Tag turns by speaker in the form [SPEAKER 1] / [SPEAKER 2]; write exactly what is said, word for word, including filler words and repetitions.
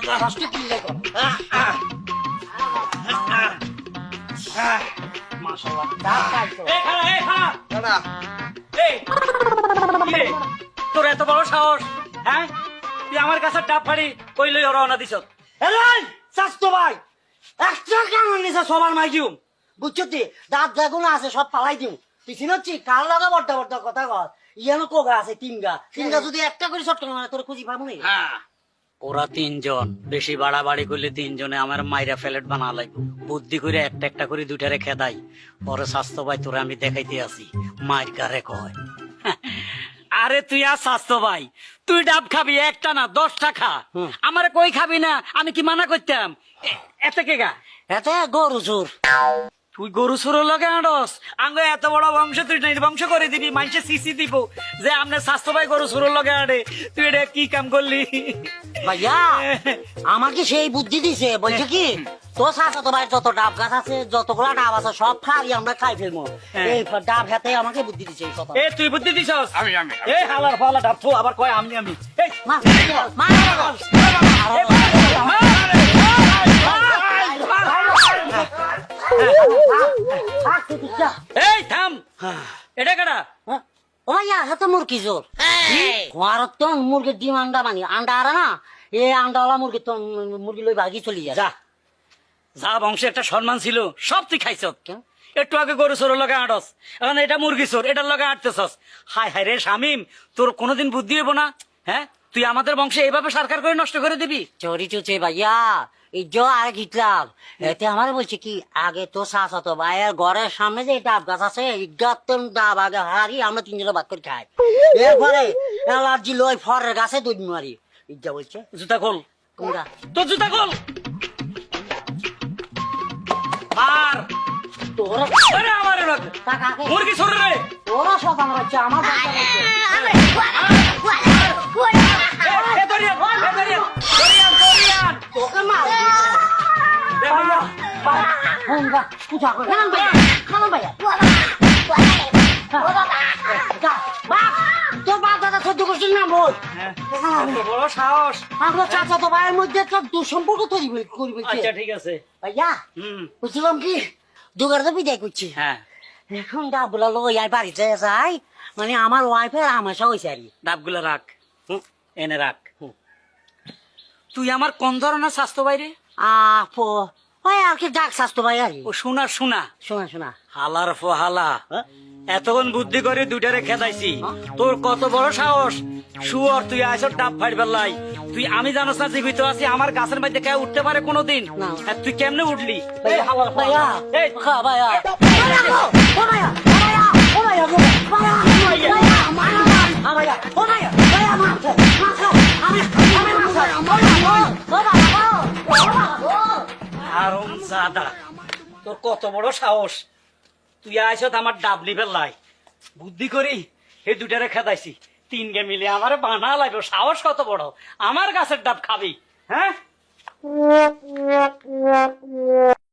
[SPEAKER 1] ফার্স্টে কি দেখো মাশাআল্লাহ ডাব খাইছো
[SPEAKER 2] এই খাড়া এই খাড়া
[SPEAKER 1] দাদা
[SPEAKER 2] এই কি রে তোর এত বড় সাহস হ্যাঁ তুই আমার কাছে ডাব ফাড়ি কই লই রওনা দিছ
[SPEAKER 1] এলাই স্বাস্থ্য ভাই একটা কেমন নিছে সবার মাইজুম বুঝছো তুই দাঁত যেগুলো আছে সব পালাই দিম তুই চিনছি কার লাগা বড্ডা বড্ডা কথা কর ইয়ানো কোগা আছে তিন গা তিন গা যদি একটা করে শর্ট করে তোর খুঁজি পাবো না
[SPEAKER 2] হ্যাঁ ওরা তিনজন বেশি বাড়াবাড়ি করলে তিনজনে আমার মাইরা ফ্যালেট বানা লাগবে বুদ্ধি করে একটা একটা করে দুইটারে খেদাই পরে স্বাস্থ্য ভাই তোরা আমি দেখাইতে আসি মায়ের কারে কয় আরে তুই আর স্বাস্থ্য ভাই তুই ডাব খাবি একটা না দশটা খা আমার কই খাবি না আমি কি মানা করতাম এ- এতে কে গা
[SPEAKER 1] এতে গরু চোর
[SPEAKER 2] তুই গরু সুরো লগে আনস আঙ্গ এত বড় বংশ তুই বংশ করে দিবি মানুষে সিসি দিব যে আমনে স্বাস্থ্য ভাই গরু সুরো লগে আড়ে তুই এটা কি কাম করলি
[SPEAKER 1] ভাইয়া আমাকে সেই বুদ্ধি দিছে বলছে কি তোর সাথে তো ভাই যত ডাব গাছ আছে যতগুলা ডাব আছে সব খাবি আমরা খাই ফেলবো এই ডাব হাতে আমাকে বুদ্ধি দিছে এই কথা
[SPEAKER 2] এ তুই বুদ্ধি দিছস
[SPEAKER 3] আমি আমি
[SPEAKER 2] এ হালার ফালা ডাব থু আবার কয় আমি আমি এই
[SPEAKER 1] মা মা
[SPEAKER 2] এই থাম এটা কেডা
[SPEAKER 1] ও ভাইয়া হাতে মুরগি জোর ঘরত তো মুরগির ডিম আন্ডা বানি আন্ডা আরে না এই আন্ডাওয়ালা মুরগি তো মুরগি লই ভাগি চলি যায়
[SPEAKER 2] যা যা বংশে একটা সম্মান ছিল সব তুই খাইছ
[SPEAKER 1] কেন?
[SPEAKER 2] একটু আগে গরু চোর লগে আটস এখন এটা মুরগি চোর এটার লগে আটতেছস হায় হায় রে শামিম তোর কোনোদিন বুদ্ধি হইব না হ্যাঁ তুই আমাদের বংশে এইভাবে সরকার করে নষ্ট করে দিবি
[SPEAKER 1] চোরি চুচে ভাইয়া এই জো আর গিটলাম এতে আমার বলছে কি আগে তো শাস হতো ভাইয়ের ঘরের সামনে যে ডাব গাছ আছে ইজ্ঞাতন ডাব আগে হারি আমরা তিনজনে ভাগ করে খাই এরপরে এলার্জি লই ফরের গাছে দুধ মারি ইজ্জা বলছে
[SPEAKER 2] জুতা খোল
[SPEAKER 1] কোনটা
[SPEAKER 2] তোর জুতা খোল মার
[SPEAKER 1] তোরা
[SPEAKER 2] আরে আমার
[SPEAKER 1] টাকাকে
[SPEAKER 2] মুরগি চোর রে
[SPEAKER 1] তোরা সব আমার হচ্ছে আমার বাচ্চা বলছে
[SPEAKER 2] এ দরিয়ান এ দরিয়ান দরিয়ান দরিয়ান
[SPEAKER 1] তোকে মার
[SPEAKER 2] দেখো
[SPEAKER 1] ফোন গা পূজা করে খান ভাইয়া খান ভাইয়া তোর বাপ দাদা সহ্য করছিস না বল
[SPEAKER 2] এত বড় সাহস
[SPEAKER 1] আমরা চাচা তো ভাইয়ের মধ্যে একটা দুঃসম্পর্ক তৈরি করি বলছে
[SPEAKER 2] আচ্ছা ঠিক আছে
[SPEAKER 1] ভাইয়া
[SPEAKER 2] হুম
[SPEAKER 1] বুঝলাম কি দুগার তো বিদায় করছি
[SPEAKER 2] হ্যাঁ
[SPEAKER 1] এখন ডাবগুলা লো ইয়ার বাড়িতে যাই মানে আমার ওয়াইফের আমাশা হয়েছে আর কি
[SPEAKER 2] ডাবগুলো রাখ
[SPEAKER 1] হুম।
[SPEAKER 2] এনে রাখ
[SPEAKER 1] হুম।
[SPEAKER 2] তুই আমার কোন ধরনের স্বাস্থ্য বাইরে
[SPEAKER 1] আপো ওই আর কি ডাক স্বাস্থ্য ভাই আর কি
[SPEAKER 2] ও শোনা শোনা
[SPEAKER 1] শোনা শোনা
[SPEAKER 2] হালার ফহালা
[SPEAKER 1] হ্যাঁ?
[SPEAKER 2] এতক্ষণ বুদ্ধি করে দুইটারে খেদাইছি তোর কত বড় সাহস শুয়ার তুই আইস ডাব ফাইবার লাই তুই আমি জানোস না জীবিত আছি আমার গাছের মধ্যে কেউ উঠতে পারে কোনোদিন
[SPEAKER 1] না।
[SPEAKER 2] আর তুই কেমনে উঠলি
[SPEAKER 1] ভাইয়া
[SPEAKER 2] হালার
[SPEAKER 1] ভাইয়া
[SPEAKER 2] এই
[SPEAKER 1] খা ভাইয়া ভাইয়া ও ভাইয়া ভাইয়া ও ভাইয়া গো ভাইয়া ভাইয়া মারা আ ভাইয়া ও ভাইয়া ভাইয়া মা মা আমি আমি মা ভাইয়া ও বাবা ও বাবা
[SPEAKER 2] আরম জাদা তোর কত বড় সাহস তুই আইস আমার ডাব নিবেল লাই বুদ্ধি করি এই দুটারে খেদাইছি তিন গে মিলে আমার বানা লাগবে সাহস কত বড় আমার গাছের ডাব খাবি হ্যাঁ